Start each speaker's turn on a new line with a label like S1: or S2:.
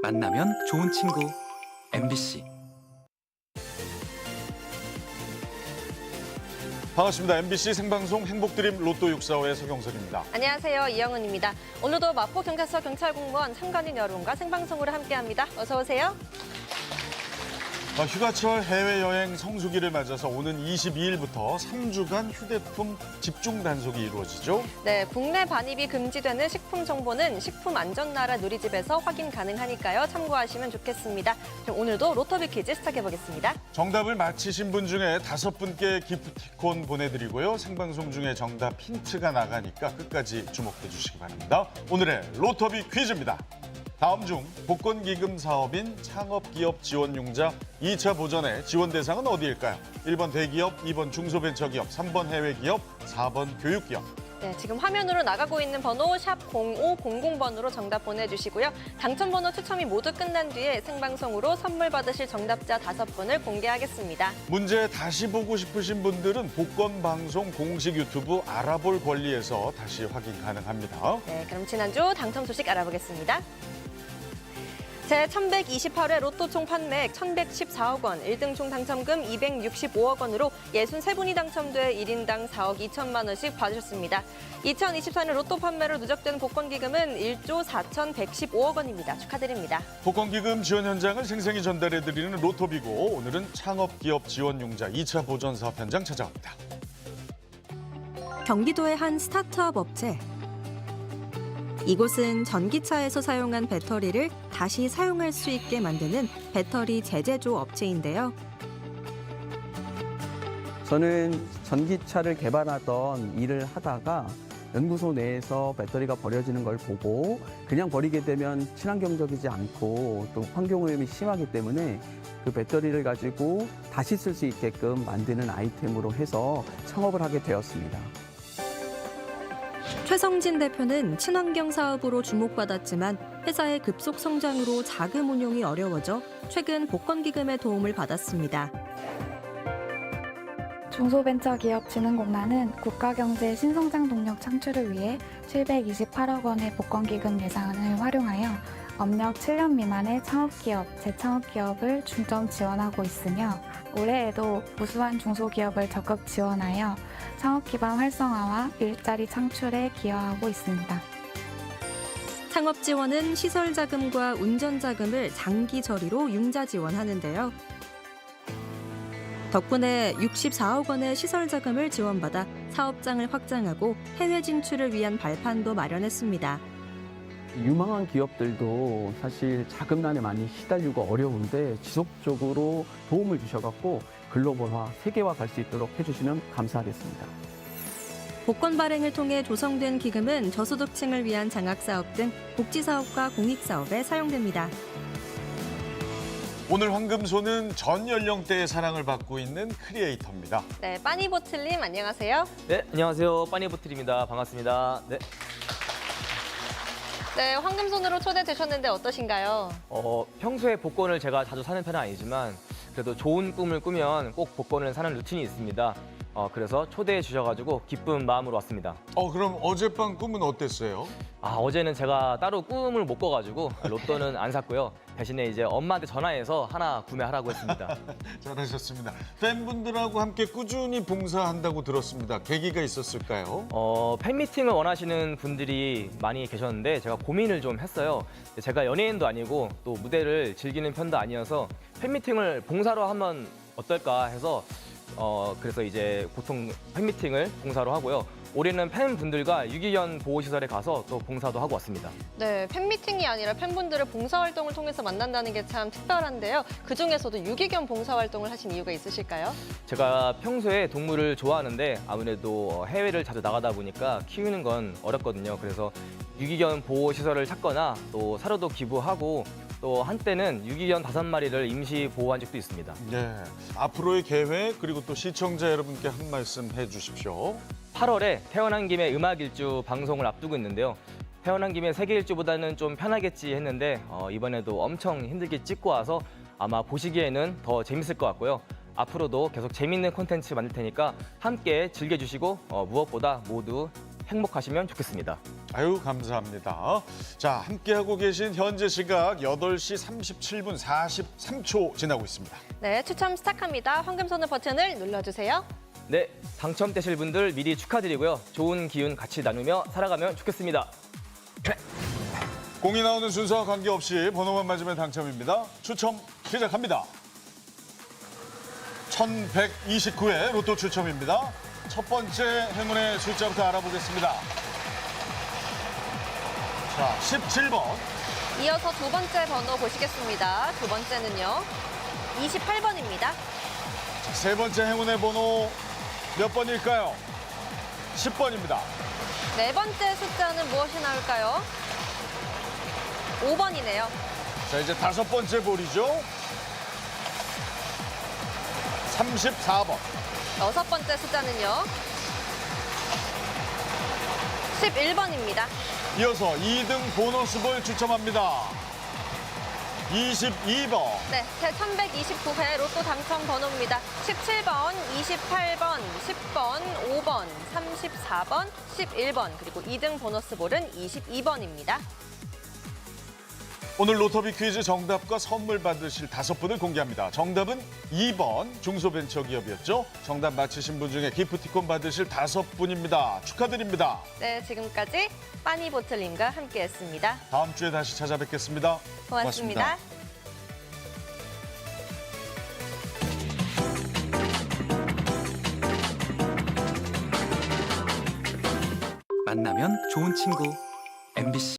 S1: 만나면 좋은 친구 MBC.
S2: 반갑습니다. MBC 생방송 행복드림 로또 645의 서경석입니다.
S3: 안녕하세요. 이영은입니다. 오늘도 마포경찰서 경찰공무원 참관인 여러분과 생방송으로 함께합니다. 어서 오세요.
S2: 휴가철 해외여행 성수기를 맞아서 오는 22일부터 3주간 휴대폰 집중 단속이 이루어지죠.
S3: 네, 국내 반입이 금지되는 식품 정보는 식품안전나라 누리집에서 확인 가능하니까요. 참고하시면 좋겠습니다. 그럼 오늘도 로터비 퀴즈 시작해보겠습니다.
S2: 정답을 맞히신 분 중에 5분께 기프티콘 보내드리고요. 생방송 중에 정답 힌트가 나가니까 끝까지 주목해 주시기 바랍니다. 오늘의 로터비 퀴즈입니다. 다음 중 복권기금 사업인 창업기업 지원융자 2차 보전의 지원 대상은 어디일까요? 1번 대기업, 2번 중소벤처기업, 3번 해외기업, 4번 교육기업.
S3: 네, 지금 화면으로 나가고 있는 번호 샵 0500번으로 정답 보내주시고요. 당첨번호 추첨이 모두 끝난 뒤에 생방송으로 선물 받으실 정답자 5분을 공개하겠습니다.
S2: 문제 다시 보고 싶으신 분들은 복권방송 공식 유튜브 알아볼 권리에서 다시 확인 가능합니다.
S3: 네, 그럼 지난주 당첨 소식 알아보겠습니다. 제1128회 로또 총 판매액 1,114억 원, 1등 총 당첨금 265억 원으로 63분이 당첨돼 1인당 4억 2천만 원씩 받으셨습니다. 2024년 로또 판매로 누적된 복권기금은 1조 4,115억 원입니다. 축하드립니다.
S2: 복권기금 지원 현장을 생생히 전달해드리는 로토비고 오늘은 창업기업 지원융자 2차 보전 사업 현장 찾아갑니다.
S4: 경기도의 한 스타트업 업체. 이곳은 전기차에서 사용한 배터리를 다시 사용할 수 있게 만드는 배터리 재제조 업체인데요.
S5: 저는 전기차를 개발하던 일을 하다가 연구소 내에서 배터리가 버려지는 걸 보고 그냥 버리게 되면 친환경적이지 않고 또 환경오염이 심하기 때문에 그 배터리를 가지고 다시 쓸 수 있게끔 만드는 아이템으로 해서 창업을 하게 되었습니다.
S4: 최성진 대표는 친환경 사업으로 주목받았지만 회사의 급속 성장으로 자금 운용이 어려워져 최근 복권기금의 도움을 받았습니다.
S6: 중소벤처기업진흥공단은 국가경제 신성장 동력 창출을 위해 728억 원의 복권기금 예산을 활용하여 업력 7년 미만의 창업기업, 재창업기업을 중점 지원하고 있으며 올해에도 무수한 중소기업을 적극 지원하여 창업 기반 활성화와 일자리 창출에 기여하고 있습니다.
S4: 창업 지원은 시설 자금과 운전 자금을 장기 저리로 융자 지원하는데요. 덕분에 64억 원의 시설 자금을 지원받아 사업장을 확장하고 해외 진출을 위한 발판도 마련했습니다.
S5: 유망한 기업들도 사실 자금난에 많이 시달리고 어려운데 지속적으로 도움을 주셔갖고 글로벌화, 세계화 갈 수 있도록 해주시면 감사하겠습니다.
S4: 복권 발행을 통해 조성된 기금은 저소득층을 위한 장학사업 등 복지사업과 공익사업에 사용됩니다.
S2: 오늘 황금소는 전 연령대의 사랑을 받고 있는 크리에이터입니다.
S3: 네, 빠니보틀님 안녕하세요.
S7: 네, 안녕하세요. 빠니보틀입니다. 반갑습니다. 네.
S3: 네, 황금손으로 초대되셨는데 어떠신가요?
S7: 평소에 복권을 제가 자주 사는 편은 아니지만 그래도 좋은 꿈을 꾸면 꼭 복권을 사는 루틴이 있습니다. 그래서 초대해 주셔가지고 기쁜 마음으로 왔습니다.
S2: 그럼 어젯밤 꿈은 어땠어요?
S7: 어제는 제가 따로 꿈을 못 꿔가지고 로또는 안 샀고요. 대신에 이제 엄마한테 전화해서 하나 구매하라고 했습니다.
S2: 잘하셨습니다. 팬분들하고 함께 꾸준히 봉사한다고 들었습니다. 계기가 있었을까요?
S7: 팬미팅을 원하시는 분들이 많이 계셨는데 제가 고민을 좀 했어요. 제가 연예인도 아니고 또 무대를 즐기는 편도 아니어서 팬미팅을 봉사로 하면 어떨까 해서 그래서 이제 보통 팬미팅을 봉사로 하고요. 올해는 팬분들과 유기견 보호시설에 가서 또 봉사도 하고 왔습니다.
S3: 네, 팬미팅이 아니라 팬분들을 봉사활동을 통해서 만난다는 게 참 특별한데요. 그중에서도 유기견 봉사활동을 하신 이유가 있으실까요?
S7: 제가 평소에 동물을 좋아하는데 아무래도 해외를 자주 나가다 보니까 키우는 건 어렵거든요. 그래서 유기견 보호시설을 찾거나 또 사료도 기부하고 또 한때는 유기견 5마리를 임시 보호한 적도 있습니다.
S2: 네, 앞으로의 계획 그리고 또 시청자 여러분께 한 말씀 해주십시오.
S7: 8월에 태어난 김에 음악 일주 방송을 앞두고 있는데요. 태어난 김에 세계 일주보다는 좀 편하겠지 했는데 이번에도 엄청 힘들게 찍고 와서 아마 보시기에는 더 재밌을 것 같고요. 앞으로도 계속 재밌는 콘텐츠 만들 테니까 함께 즐겨주시고 무엇보다 모두 행복하시면 좋겠습니다.
S2: 아유, 감사합니다. 자, 함께하고 계신 현재 시각 8시 37분 43초 지나고 있습니다.
S3: 네, 추첨 시작합니다. 황금손을 버튼을 눌러주세요.
S7: 네, 당첨되실 분들 미리 축하드리고요. 좋은 기운 같이 나누며 살아가면 좋겠습니다.
S2: 공이 나오는 순서와 관계없이 번호만 맞으면 당첨입니다. 추첨 시작합니다. 1129회 로또 추첨입니다. 첫 번째 행운의 숫자부터 알아보겠습니다. 자, 17번.
S3: 이어서 두 번째 번호 보시겠습니다. 두 번째는요, 28번입니다.
S2: 세 번째 행운의 번호 몇 번일까요? 10번입니다.
S3: 네 번째 숫자는 무엇이 나올까요? 5번이네요.
S2: 자, 이제 다섯 번째 볼이죠. 34번.
S3: 여섯 번째 숫자는요, 11번입니다.
S2: 이어서 2등 보너스볼 추첨합니다. 22번.
S3: 네, 제1129회 로또 당첨 번호입니다. 17번, 28번, 10번, 5번, 34번, 11번, 그리고 2등 보너스볼은 22번입니다.
S2: 오늘 로터비 퀴즈 정답과 선물 받으실 5분을 공개합니다. 정답은 2번 중소벤처기업이었죠. 정답 맞히신 분 중에 기프티콘 받으실 5분입니다. 축하드립니다.
S3: 네, 지금까지 빠니보틀님과 함께했습니다.
S2: 다음 주에 다시 찾아뵙겠습니다.
S3: 고맙습니다.
S1: 만나면 좋은 친구 MBC